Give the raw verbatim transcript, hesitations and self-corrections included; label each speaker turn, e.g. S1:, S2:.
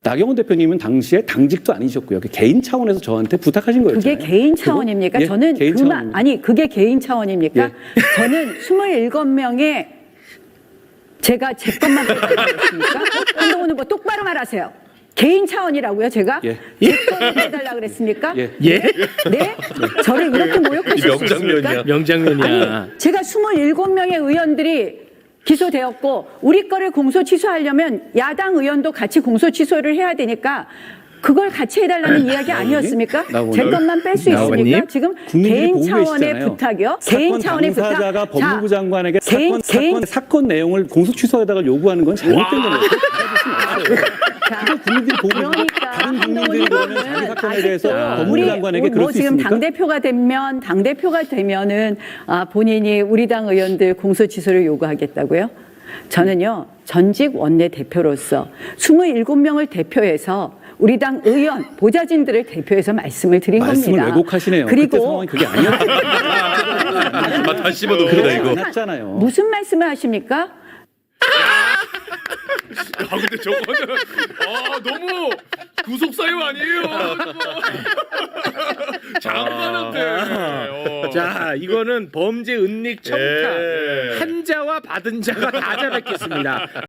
S1: 나경원 대표님은 당시에 당직도 아니셨고요. 개인 차원에서 저한테 부탁하신 거예요.
S2: 그게 개인 차원입니까?
S1: 예,
S2: 저는
S1: 개인
S2: 그만
S1: 차원입니다.
S2: 아니 그게 개인 차원입니까?
S1: 예.
S2: 저는 스물일곱 명의 제가 제 것만 해달라고했습니까? 한동훈 후보 똑바로 말하세요. 개인 차원이라고요, 제가?
S1: 예.
S2: 제 것만 해달라 그랬습니까?
S1: 예.
S3: 예?
S2: 네? 저를 이렇게 모욕하실 수 있습니까?
S3: 명장면이야.
S2: 아니, 제가 스물일곱 명의 의원들이 기소되었고 우리 거를 공소 취소하려면 야당 의원도 같이 공소 취소를 해야 되니까 그걸 같이 해달라는 이야기 아니었습니까?
S1: 나오님.
S2: 제 것만 뺄 수
S3: 나오님.
S2: 있습니까? 지금
S1: 국민들이
S2: 개인
S1: 보고
S2: 차원의
S1: 계시잖아요.
S2: 부탁이요? 개인
S1: 사건
S2: 차원의 부탁.
S1: 당사자가 법무부
S2: 자,
S1: 장관에게
S2: 개인,
S1: 사건,
S2: 개인,
S1: 사건, 사건 내용을 공소 취소에다가 요구하는 건 잘못된 겁니다.
S2: 자,
S1: 그걸 국민들이 보고
S2: 그러니까
S1: 다른 국민들이 그러면 자기 사건에 대해서
S2: 아직도
S1: 법무부
S2: 우리
S1: 장관에게 그럴
S2: 뭐
S1: 수
S2: 지금
S1: 있습니까?
S2: 당 대표가 되면 당 대표가 되면은 아, 본인이 우리 당 의원들 공소 취소를 요구하겠다고요? 저는요 전직 원내 대표로서 스물일곱 명을 대표해서 우리 당 의원 보좌진들을 대표해서 말씀을 드린
S1: 말씀을
S2: 겁니다.
S1: 왜곡하시네요. 그때
S2: 그리고
S1: 상황이 그게 아니었거든요.
S3: 아, 다시 씹어도
S1: 그게
S3: 이거.
S1: 아니었잖아요.
S2: 무슨 말씀을 하십니까?
S4: 아 근데 저거는 아 너무 구속 사유 아니에요? 장관한테. 어.
S3: 자, 이거는 범죄 은닉 청탁.
S4: 예.
S3: 한 자와 받은 자가 다 자백했습니다.